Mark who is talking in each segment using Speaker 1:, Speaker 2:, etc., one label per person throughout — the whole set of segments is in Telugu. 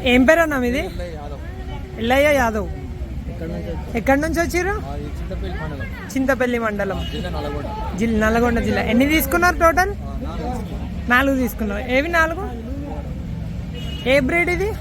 Speaker 1: ఏం పేరు అన్న మీది? ఎల్లయ్య యాదవ్. ఎక్కడి నుంచి వచ్చారు? చింతపల్లి మండలం, నల్గొండ జిల్లా. ఎన్ని తీసుకున్నారు టోటల్? 4 తీసుకున్నారు. ఏవి 4? ఏ బ్రీడ్ ఇది?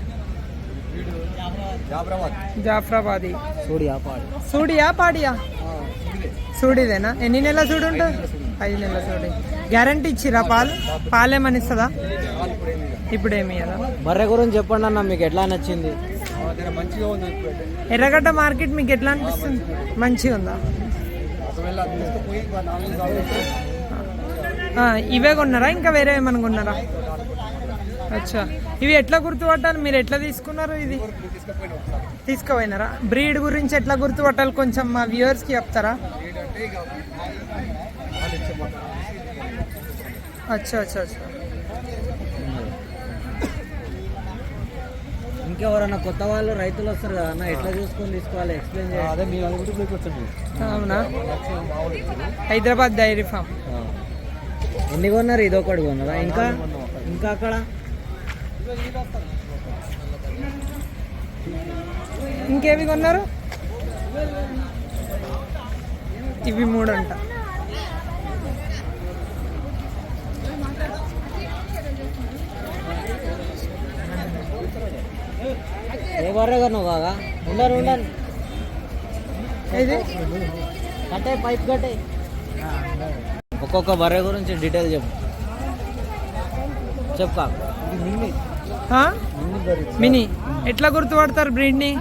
Speaker 1: జాఫ్రాబాదీ. సూడియా పాడియా? సూడిదేనా? ఎన్ని నెలల సూడి ఉంటుంది? 5 నెలల సూడి. గ్యారంటీ ఇచ్చిరా? పాలేమని ఇస్తుందా? ఇప్పుడేమి కదా.
Speaker 2: బర్రె గురించి చెప్పండి అన్న, మీకు ఎట్లా నచ్చింది?
Speaker 1: ఎర్రగడ్డ మార్కెట్ మీకు ఎట్లా అనిపిస్తుంది? మంచిగా ఉందా? ఇవే కొన్నారా ఇంకా వేరే ఏమన్నా కొన్నారా? అచ్చా, ఇవి ఎట్లా గుర్తుపట్టాలి? మీరు ఎట్లా తీసుకున్నారు? ఇది తీసుకుపోయినారా? బ్రీడ్ గురించి ఎట్లా గుర్తుపట్టాలి కొంచెం మా వ్యూవర్స్కి చెప్తారా? అచ్చా అచ్చా అచ్చా.
Speaker 2: ఇంకెవరన్నా కొత్త వాళ్ళు రైతులు వస్తారు కదా అన్న, ఎట్లా చూసుకొని తీసుకోవాలి ఎక్స్ప్లెయిన్ చేయాలి.
Speaker 1: అవునా? Hyderabad dairy farm.
Speaker 2: ఎన్ని కొన్నారు? ఇది ఒకటి కొన్నారా? ఇంకా ఇంకా అక్కడ
Speaker 1: ఇంకేవి కొన్నారు? ఇవి 3 అంట.
Speaker 2: ఏ బర్రె కొన్నావు కాగా? ఉండరు
Speaker 1: ఇది
Speaker 2: కట్టే పైప్ కట్టే. ఒక్కొక్క బర్రె గురించి డీటెయిల్ చెప్పు.
Speaker 1: మినీ ఎట్లా గుర్తుపడతారు బ్రీడ్ని?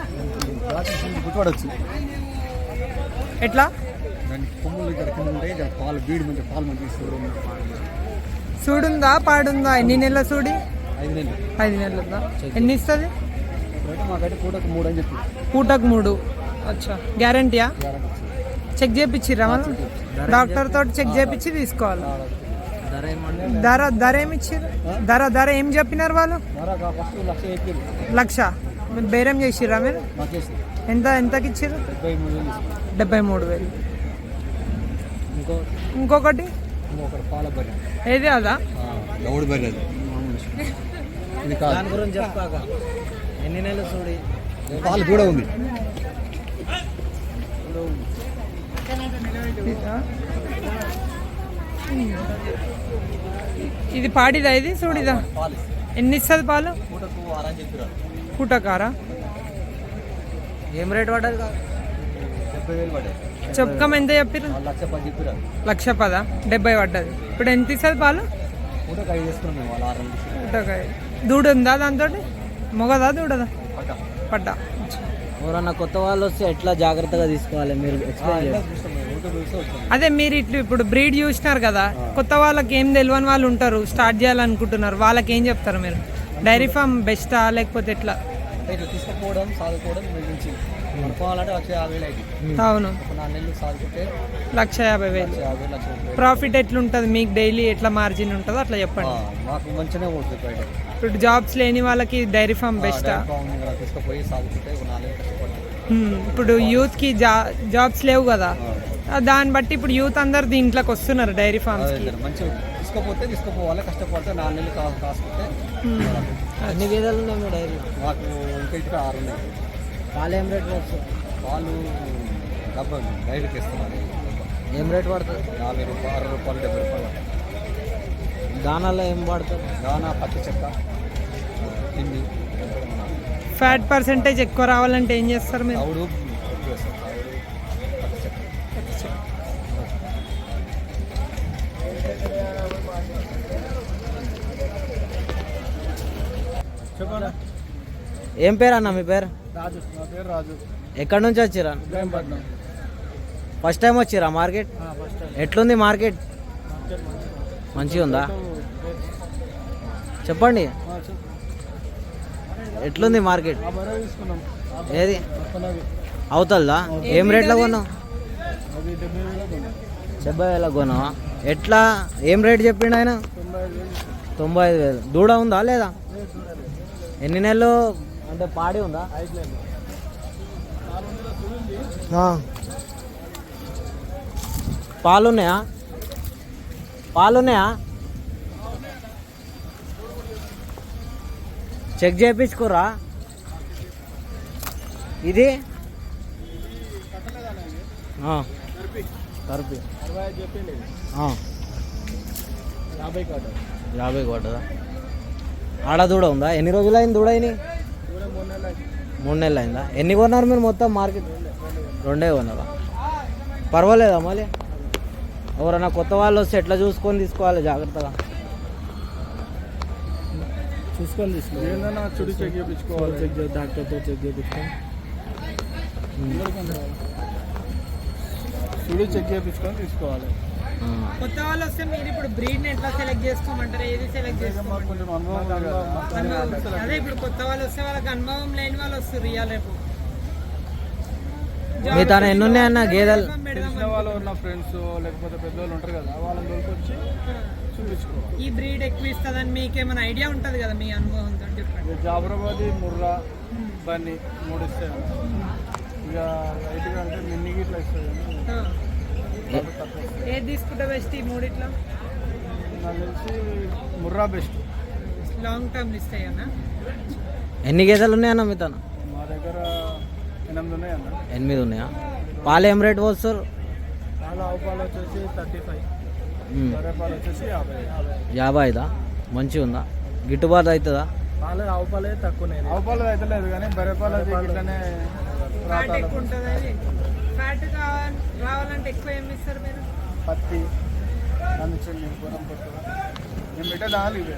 Speaker 1: ఎట్లా? సూడుందా పాడుందా? ఎన్ని నెలల సూడి? 5 నెలలు ఉందా? ఎన్ని ఇస్తుంది? పూటకు 3. అచ్చా, గ్యారంటీయా? చెక్ చేయించిర్రా మనం? డాక్టర్ తోటి చెక్ చేయించి తీసుకోవాలి. ధర ఏమి ఇచ్చారు? ధర ఏం చెప్పినారు వాళ్ళు? 1,00,000. బేరం చేసిర్రా మీరు? ఎంతకి ఇచ్చారు? 73,000. ఇంకొకటి ఏది? అదా?
Speaker 2: దాని గురించి చెప్పాక ఎన్ని నెలలు చూడి?
Speaker 3: పాలు కూడా ఉంది.
Speaker 1: ఇది పాడిదా? ఇది చూడిదా? ఎన్ని ఇస్తుంది పాలు? పూటకారా?
Speaker 2: ఏం రేట్ పడ్డది?
Speaker 1: చెప్పకం ఎంత చెప్పారు? 1,10,000. 70 పడ్డది. ఇప్పుడు ఎంత ఇస్తుంది పాలు? పూటకాయ. దూడ ఉందా దాంతో? మొగదా దూడదా? పడ్డా.
Speaker 2: ఎవరన్నా కొత్త వాళ్ళు వస్తే ఎట్లా జాగ్రత్తగా తీసుకోవాలి మీరు ఎక్స్ప్లెయిన్ చేయండి.
Speaker 1: అదే మీరు ఇప్పుడు బ్రీడ్ చూసినారు కదా, కొత్త వాళ్ళకి ఏం తెలియని వాళ్ళు ఉంటారు, స్టార్ట్ చేయాలనుకుంటున్నారు, వాళ్ళకి ఏం చెప్తారు మీరు? డైరీ ఫామ్ బెస్టా లేకపోతే ఎట్లా?
Speaker 3: తీసుకుపోవడం సాదుకోవడం అనుకోవాలంటే 1,50,000.
Speaker 1: అవును,
Speaker 3: 4 నెలలు సాదుకుంటే
Speaker 1: 1,50,000. ప్రాఫిట్ ఎట్లుంటుంది మీకు? డైలీ ఎట్లా మార్జిన్ ఉంటుందో అట్లా చెప్పండి.
Speaker 3: మాకు మంచిగానే ఉంటుంది బయట.
Speaker 1: ఇప్పుడు జాబ్స్ లేని వాళ్ళకి డైరీ ఫామ్ బెస్టా?
Speaker 3: తీసుకుపోయి సాదుకుంటే 4 నెలలు కష్టపడుతుంది.
Speaker 1: ఇప్పుడు యూత్కి జాబ్స్ లేవు కదా, దాన్ని బట్టి ఇప్పుడు యూత్ అందరు దీంట్లోకి వస్తున్నారు డైరీ ఫామ్స్.
Speaker 3: మంచిగా తీసుకుపోవాలి, కష్టపడితే 4 నెలలు కాసుకుంటే.
Speaker 2: అన్ని గేదెలు ఉన్నాయి మీ డైరీ?
Speaker 3: మాకు ఇంకా 6 ఉన్నాయి.
Speaker 2: పాలు ఏం రేట్ వస్తుంది?
Speaker 3: పాలు డైరీకి ఇస్తున్నారు.
Speaker 2: ఏం రేట్ పడుతుంది?
Speaker 3: 40 రూపాయలు, 60 రూపాయలు, 70 రూపాయలు.
Speaker 2: దానాలో ఏం పడుతుంది?
Speaker 3: దానా పచ్చి చెక్క, తిండి.
Speaker 1: ఫ్యాట్ పర్సెంటేజ్ ఎక్కువ రావాలంటే ఏం చేస్తారు మీరు?
Speaker 3: తౌడు
Speaker 2: ఏం పేరు అన్న మీ పేరు?
Speaker 3: రాజు. నా పేరు రాజు.
Speaker 2: ఎక్కడి నుంచి వచ్చిరా? ఫస్ట్ టైం వచ్చిరా మార్కెట్? ఎట్లుంది మార్కెట్? మంచిగా ఉందా? చెప్పండి, ఎట్లుంది మార్కెట్? ఏది అవుతుందా? ఏం రేట్లో కొన్నావు? 70,000 కొన్నావా? ఎట్లా ఏం రేట్ చెప్పిండు ఆయన? 95,000. దూడ ఉందా లేదా? ఎన్ని నెలలు అంటే పాడి ఉందా?
Speaker 3: 5 నెలలు.
Speaker 2: పాలున్నాయా? చెక్ చేయించుకోరా? ఇది కర్పి
Speaker 3: 65 చెప్పింది. 50 కాదు.
Speaker 2: 50 కొట్టదా? ఆడ దూడ ఉందా? ఎన్ని రోజులు అయింది దూడ అయినాయి? 3 నెలలు అయిందా? ఎన్ని కొన్నారు మీరు మొత్తం మార్కెట్? 2 కొన్నారా? పర్వాలేదా మళ్ళీ? ఎవరైనా కొత్త వాళ్ళు వస్తే ఎట్లా చూసుకొని తీసుకోవాలి జాగ్రత్తగా?
Speaker 3: చూసుకొని తీసుకో. ఏందన్నా చుడి చెక్ చేయించుకోవాలి. డాక్టర్తో చెక్ చేయించుకొని చుడి చెక్ చేయించుకొని తీసుకోవాలి.
Speaker 1: కొత్త వాళ్ళు వస్తే మీరు ఇప్పుడు బ్రీడ్ ఎట్లా సెలెక్ట్ చేసుకోమంటారు? ఏది సెలెక్ట్ చేసుకోమంటారు?
Speaker 3: కొంచెం అనుభవం.
Speaker 1: అదే ఇప్పుడు కొత్త వాళ్ళు వస్తే వాళ్ళకి అనుభవం లేని వాళ్ళు వస్తారు ఇవాళ రేపు.
Speaker 2: మీ తన ఎన్ని ఉన్నాయన్న గేదెలు?
Speaker 3: తెలిసిన వాళ్ళు ఉన్న ఫ్రెండ్స్ లేకపోతే పెద్దవాళ్ళు ఉంటారు కదా, వాళ్ళని దొరికొచ్చి చూపించుకోవాలి.
Speaker 1: ఈ బ్రీడ్ ఎక్కువ ఇస్తుందని మీకేమైనా ఐడియా ఉంటుంది కదా మీ అనుభవంతో చెప్పండి.
Speaker 3: జాబరాబాద్, ముర్రా, బన్నీ 3 ఇస్తాయి. ఇక లైట్గా అంటే మిన్ని గిట్లా ఇస్తుంది.
Speaker 1: ఏది తీసుకుంటే బెస్ట్ ఈ మూడిట్లో?
Speaker 3: నాకు తెలిసి ముర్రా బెస్ట్.
Speaker 1: లాంగ్ టర్మ్ ఇస్తాయి అన్న.
Speaker 2: ఎన్ని గేదెలు ఉన్నాయన్న మీ తన?
Speaker 3: మా దగ్గర 8 ఉన్నాయి అన్న.
Speaker 2: 8 ఉన్నాయా? పాలు ఏం రేట్ పోస్తారు?
Speaker 3: పాలు ఆవు పాలు వచ్చేసి 35, బర్రె పాలు వచ్చేసి 50.
Speaker 2: 55దా? మంచిగా ఉందా? గిట్టుబాటు అవుతుందా?
Speaker 3: పాలు ఆవు పాలే తక్కువ. ఆవు పాలు అయితే లేదు కానీ బర్రె పాలు అది ఇట్లానే
Speaker 1: ఫ్యాట్ ఎక్కువ ఉంటుంది. అది ఫ్యాట్ రావాలంటే ఎక్కువ ఏమి ఇస్తారు మీరు?
Speaker 3: పత్తి అందుచండి గుణం పడుతుంది. నేను పెట్టే దాని ఇవే.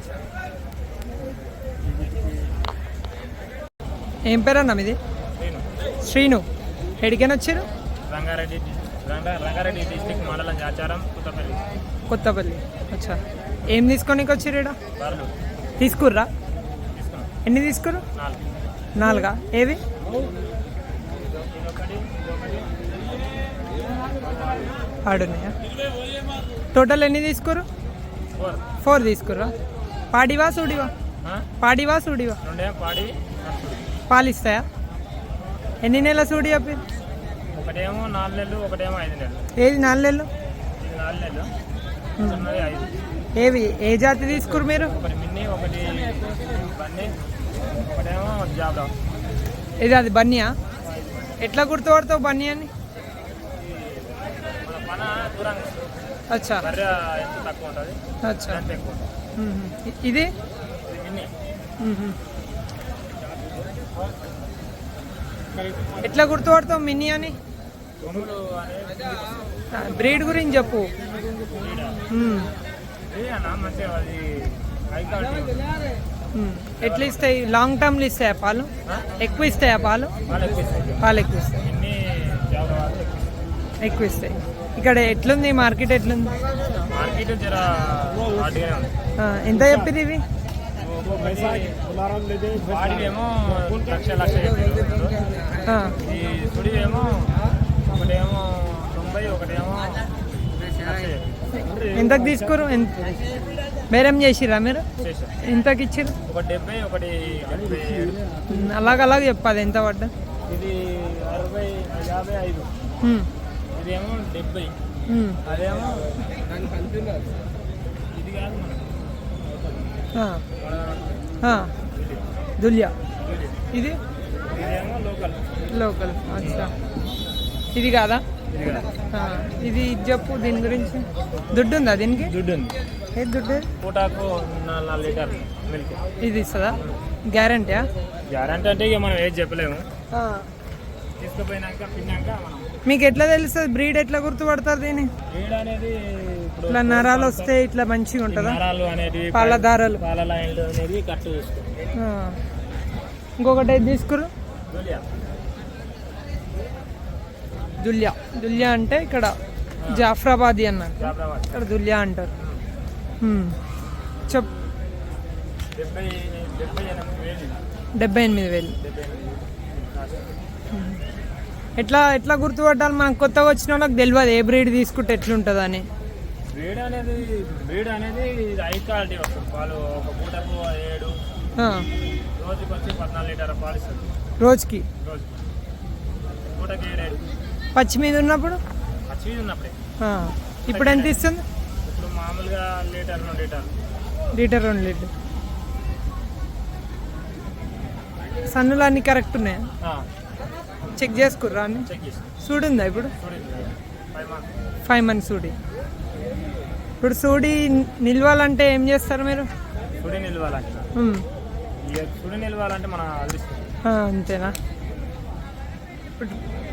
Speaker 1: ఏం పేరు అన్న మీది? శ్రీను. ఎడికైనా వచ్చారు?
Speaker 4: రంగారెడ్డి డిస్టిక్ మండలం ఆచారం
Speaker 1: కొత్తపల్లి. అచ్చా, ఏం తీసుకోనికి వచ్చారు ఇక్కడ?
Speaker 4: బర్రెలు
Speaker 1: తీసుకుర్రా?
Speaker 4: తీసుకున్నాం.
Speaker 1: ఎన్ని తీసుకుర్రు? 4. ఏవి? ఆడున్నాయా? టోటల్ ఎన్ని తీసుకుర్రు? 4 తీసుకుర్రా? పాడివా సూడివా? పాడివా సూడివా?
Speaker 4: పాడి
Speaker 1: పాలు ఇస్తాయా? ఎన్ని నెలల సూడి చెప్పి?
Speaker 4: ఒకటేమో 4 నెలలు, ఒకటేమో 5 నెలలు.
Speaker 1: ఏది 4 నెలలు?
Speaker 4: ఇది 4 నెలలు, చిన్నది 5.
Speaker 1: ఏవి ఏ జాతి తీసుకురు మీరు?
Speaker 4: ఒకటి మిన్ని, ఒకటి బన్నీ, ఒకటేమో జాబ్రా.
Speaker 1: ఇది అది బన్నీయా? ఎట్లా గుర్తుపడతావు బన్నీ అని?
Speaker 4: మన పన దూరంగా
Speaker 1: అచ్చా
Speaker 4: బర్రె ఎంత తక్కువ ఉంటుంది,
Speaker 1: అచ్చా.
Speaker 4: ఎంత ఎక్కువ ఉంటుంది.
Speaker 1: ఇది
Speaker 4: ఇది మిన్ని.
Speaker 1: ఎట్లా గుర్తుపడతావు మిన్నీ అని?
Speaker 4: కొమ్ములు అనేది
Speaker 1: బ్రీడ్ గురించి చెప్పు.
Speaker 4: అన్న మంచిగా అది హై క్వాలిటీ.
Speaker 1: ఎట్లా ఇస్తాయి? లాంగ్ టర్మ్లు ఇస్తాయా పాలు? ఎక్కువ ఇస్తాయా పాలు?
Speaker 4: వాళ్ళు ఎక్కువ ఇస్తాయి.
Speaker 1: పాలు ఎక్కువ ఇస్తాయి.
Speaker 4: మిన్ని జాబ్రా వాళ్ళు ఎక్కువ ఇస్తాయి.
Speaker 1: ఎక్కువ ఇస్తాయి. ఇక్కడ ఎట్లుంది మార్కెట్? ఎట్లుంది
Speaker 4: మార్కెట్? జర హాట్గానే ఉంది.
Speaker 1: ఎంత చెప్పింది ఇవి?
Speaker 4: వాడివేమో లక్ష చెప్పారు. ఈ సుడివేమో ఒకటేమో 90, ఒకటేమో 100.
Speaker 1: ఎంతకు తీసుకోరు? బేరం చేసిరా మీరు?
Speaker 4: చేశాం.
Speaker 1: ఎంతకి ఇచ్చిర్రు?
Speaker 4: ఒకటి 70, ఒకటి 77.
Speaker 1: అలాగ చెప్పదు ఎంత పడ్డా?
Speaker 4: ఇది 60, 55. ఇదేమో 70. అదేమో ఇది కాదు
Speaker 1: దులియా. ఇది
Speaker 4: ఇదేమో లోకల్.
Speaker 1: లోకల్. అచ్చా, ఇది కాదా? ఇది చెప్పు దీని గురించి. దుడ్డు ఉందా దీనికి?
Speaker 4: దుడ్డు ఉంది.
Speaker 1: ఏది దుడ్డు?
Speaker 4: పూటాకు 4 లీటర్ మిల్క్.
Speaker 1: ఇది ఇస్తుందా? గ్యారంటీయా?
Speaker 4: గ్యారంటీ అంటే ఇక మనం ఏది చెప్పలేము. తీసుకుపోయినాక పిన్నాక మనం.
Speaker 1: మీకు ఎట్లా తెలుస్తుంది బ్రీడ్? ఎట్లా గుర్తుపడతారు దీన్ని?
Speaker 4: బ్రీడ్ అనేది ఇప్పుడు
Speaker 1: ఇట్లా నరాలు వస్తే ఇట్లా మంచిగా ఉంటుందా?
Speaker 4: నరాలు అనేది,
Speaker 1: పాలధారలు,
Speaker 4: పాల లైన్లు అనేది కట్టు చూసుకో.
Speaker 1: ఇంకొకటి ఏది తీసుకురు?
Speaker 4: దులియా.
Speaker 1: దులియా. దులియా అంటే ఇక్కడ జాఫ్రాబాదీ అన్నారు,
Speaker 4: జాబ్రాబాద్.
Speaker 1: ఇక్కడ దులియా అంటారు. చెప్ 78,000. ఎట్లా ఎట్లా గుర్తుపట్టాలి? మనకు కొత్తగా వచ్చిన వాళ్ళకి తెలియదు ఏ బ్రీడ్ తీసుకుంటే ఎట్లుంటుంది అని.
Speaker 4: బ్రీడ్ అనేది హై క్వాలిటీ వస్తుంది. పాలు ఒక పూటకు 7, రోజుకి వచ్చి 14 లీటర్ పాలు ఇస్తుంది.
Speaker 1: రోజుకి
Speaker 4: పూటకి 7.
Speaker 1: పచ్చి మీద ఉన్నప్పుడు?
Speaker 4: పచ్చి మీద ఉన్నప్పుడే.
Speaker 1: ఇప్పుడు ఎంత ఇస్తుంది?
Speaker 4: ఇప్పుడు మామూలుగా లీటర్ 2 లీటర్.
Speaker 1: Litre 2 litre. సన్నులు అన్నీ కరెక్ట్ ఉన్నాయా? చెక్ చేసుకుర్రా అని
Speaker 4: చెక్ చేసి
Speaker 1: సూడి ఉందా ఇప్పుడు
Speaker 4: చూడండి 5 months
Speaker 1: 5 months సూడి. ఇప్పుడు సూడి నిల్వాలంటే ఏం చేస్తారు మీరు?
Speaker 4: సుడి నిలవాలంటే
Speaker 1: ఉమ్.
Speaker 4: ఇక సుడి నిలవాలంటే మన అదృష్టం.
Speaker 1: అంతేనా? ఇప్పుడు